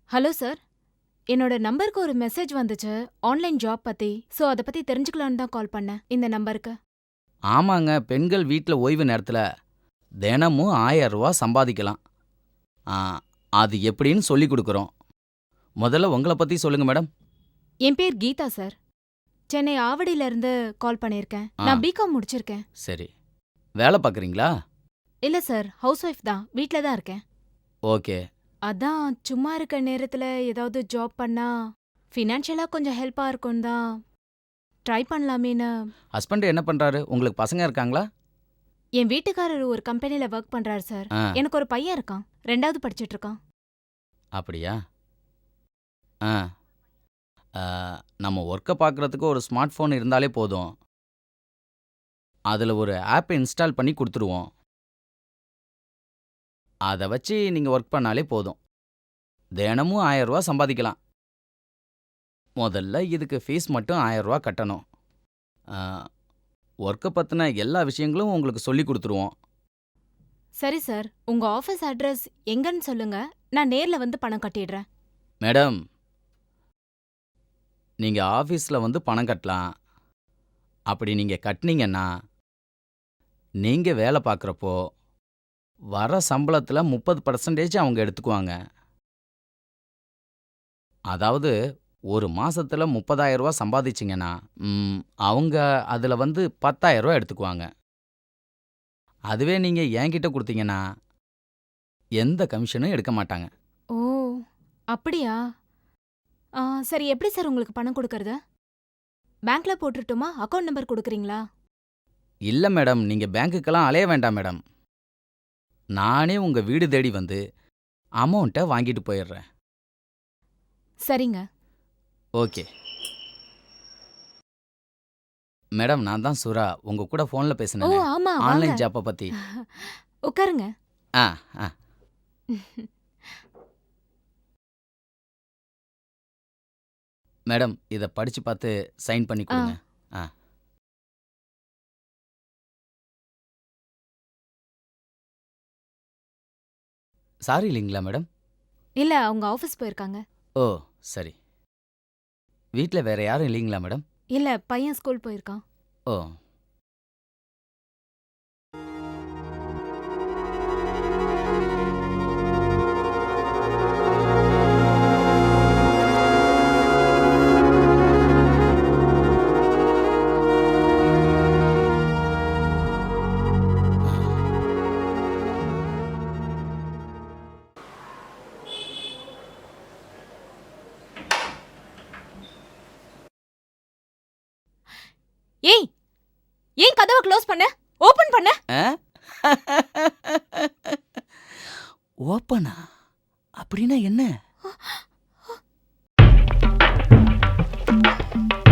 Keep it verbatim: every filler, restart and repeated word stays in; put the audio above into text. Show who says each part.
Speaker 1: Hello sir. என்னோட நம்பருக்கு ஒரு மெசேஜ் வந்துச்சு ஆன்லைன் ஜாப் பத்தி. சோ அத பத்தி தெரிஞ்சுக்கலான்னு தான் கால் பண்ணேன் இந்த நம்பருக்கு.
Speaker 2: ஆமாங்க, பெண்கள் வீட்ல ஓய்வு நேரத்துல தினமும் ஆயிரம் ரூபா சம்பாதிக்கலாம். ஆ, அது எப்படின்னு சொல்லிக் கொடுக்குறோம். முதல்ல உங்கள பத்தி சொல்லுங்க மேடம்.
Speaker 1: என் பேர் கீதா சார். சென்னை ஆவடியில இருந்து கால் பண்ணியிருக்கேன்.
Speaker 2: ஆ,
Speaker 1: நான் பிகாம் முடிச்சிருக்கேன்.
Speaker 2: சரி. வேலை பார்க்குறீங்களா?
Speaker 1: இல்ல சார், ஹவுஸ் ஒய்ஃப் தான். வீட்ல தான் இருக்கேன்.
Speaker 2: ஓகே.
Speaker 1: அதான் சும்மா இருக்க நேரத்துல ஏதாவது ஜாப் பண்ணா ஃபினான்ஷியலா கொஞ்சம் ஹெல்ப்பா இருக்கும் தான் ட்ரை பண்ணலாமேன்னு.
Speaker 2: ஹஸ்பண்ட் என்ன பண்றாரு? உங்களுக்கு பசங்க இருக்காங்களா?
Speaker 1: என் வீட்டுக்காரர் ஒரு கம்பெனில ஒர்க் பண்றாரு சார்.
Speaker 2: ஆ,
Speaker 1: எனக்கு ஒரு பையன் இருக்கான். ரெண்டாவது படிச்சிட்டு இருக்கான்.
Speaker 2: அப்படியா? ஆ, ஆ, நம்ம ஒர்க்கை பார்க்குறதுக்கு ஒரு ஸ்மார்ட் ஃபோன் இருந்தாலே போதும். அதுல ஒரு ஆப் இன்ஸ்டால் பண்ணி கொடுத்துருவோம். அதை வச்சு நீங்க ஒர்க் பண்ணாலே போதும். தினமும் ஆயிரம் ரூபா சம்பாதிக்கலாம். முதல்ல இதுக்கு ஃபீஸ் மட்டும் ஆயிரம் ரூபா கட்டணும். ஒர்க்கை பற்றின எல்லா விஷயங்களும் உங்களுக்கு சொல்லி கொடுத்துருவோம்.
Speaker 1: சரி சார், உங்க ஆபீஸ் அட்ரஸ் எங்கன்னு சொல்லுங்க. நான் நேர்ல வந்து பணம் கட்டிடுறேன்.
Speaker 2: மேடம், நீங்க ஆஃபீஸில் வந்து பணம் கட்டலாம். அப்படி நீங்க கட்டினீங்கன்னா நீங்க வேலை பார்க்குறப்போ வர சம்பளத்துல முப்பது பர்சன்டேஜ் அவங்க எடுத்துக்குவாங்க. அதாவது ஒரு மாசத்துல முப்பதாயிரம் ரூபா சம்பாதிச்சிங்கன்னா ம், அவங்க அதுல வந்து பத்தாயிரம் ரூபா எடுத்துக்குவாங்க. அதுவே நீங்க என்கிட்ட கொடுத்தீங்கன்னா எந்த கமிஷனும் எடுக்க மாட்டாங்க.
Speaker 1: ஓ, அப்படியா? ஆ, சரி, எப்படி சார் உங்களுக்கு பணம் கொடுக்கறது? பேங்க்ல போட்டுட்டுமா? அக்கவுண்ட் நம்பர் கொடுக்குறீங்களா?
Speaker 2: இல்ல மேடம், நீங்க பேங்க்குக்கெல்லாம் அலைய வேண்டாம் மேடம். நானே உங்க வீடு தேடி வந்து அமௌண்ட்டை வாங்கிட்டு போயிடுறேன்.
Speaker 1: சரிங்க.
Speaker 2: ஓகே மேடம், நான் தான் சுரா, உங்க கூட ஃபோன்ல
Speaker 1: ஓ,
Speaker 2: பேசினேனே
Speaker 1: ஆமா, வாங்க.
Speaker 2: ஆன்லைன் ஜாப்பை பத்தி.
Speaker 1: உட்காருங்க.
Speaker 2: ஆ, ஆ. மேடம், இதை படிச்சு பார்த்து சைன் பண்ணி
Speaker 1: ஆ,
Speaker 2: கொடுங்க. ஆ, சாரி இல்லைங்களா மேடம்?
Speaker 1: இல்ல, அவங்க ஆபீஸ் போயிருக்காங்க.
Speaker 2: ஓ, சரி. வீட்டில் வேற யாரும் இல்லைங்களா மேடம்?
Speaker 1: இல்ல, பையன் ஸ்கூல் போயிருக்கான்.
Speaker 2: ஓ,
Speaker 1: ஏய், ஏன் கதவை க்ளோஸ் பண்ண? ஓபன் பண்ண.
Speaker 2: ஆ? ஓப்பனா? அப்படின்னா என்ன?